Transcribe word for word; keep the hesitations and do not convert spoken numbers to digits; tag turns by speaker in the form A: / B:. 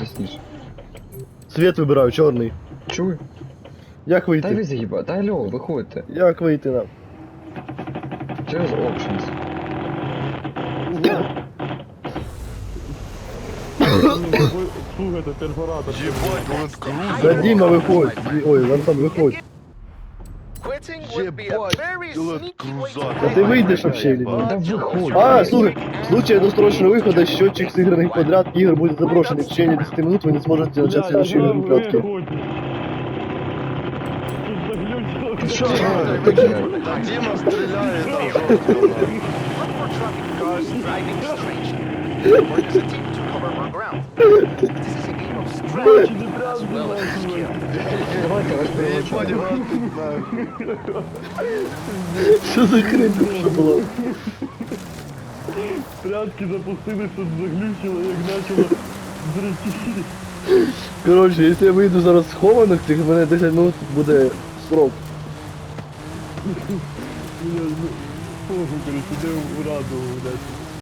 A: ясніше.
B: Цвет вибираю, чорний.
A: Чуй?
B: Як
A: Та ви
B: вийти?
A: заїба, та алло, виходьте.
B: Як вийти нам?
A: Через options.
C: Слухайте, перфоратор.
D: Ебать, Land Cruiser.
B: Да, Діма, виходь. Ді- Ой, Вансан, виходь.
D: Ебать, Land Cruiser.
B: Да ти вийдеш вообще или
A: Та
B: ні?
A: виходь.
B: А, слухай, в случае досрочного выхода счетчик сыгранных подряд игр будет заброшен, и в течение десяти минут вы не сможете начать следующую игру плетки.
D: Да Дима стреляет там жестко.
A: Давайте вас
D: Ебать,
A: переводимо.
D: Иван, нахуй.
B: Что за хрень вообще была?
C: Прятки запустили, тут заглючило, як почало зречити.
B: Короче, если я выйду зараз схованих, тих в мене десять минут буде срок.
C: Блядь, ну, похуй, короче, іде в раду, блядь.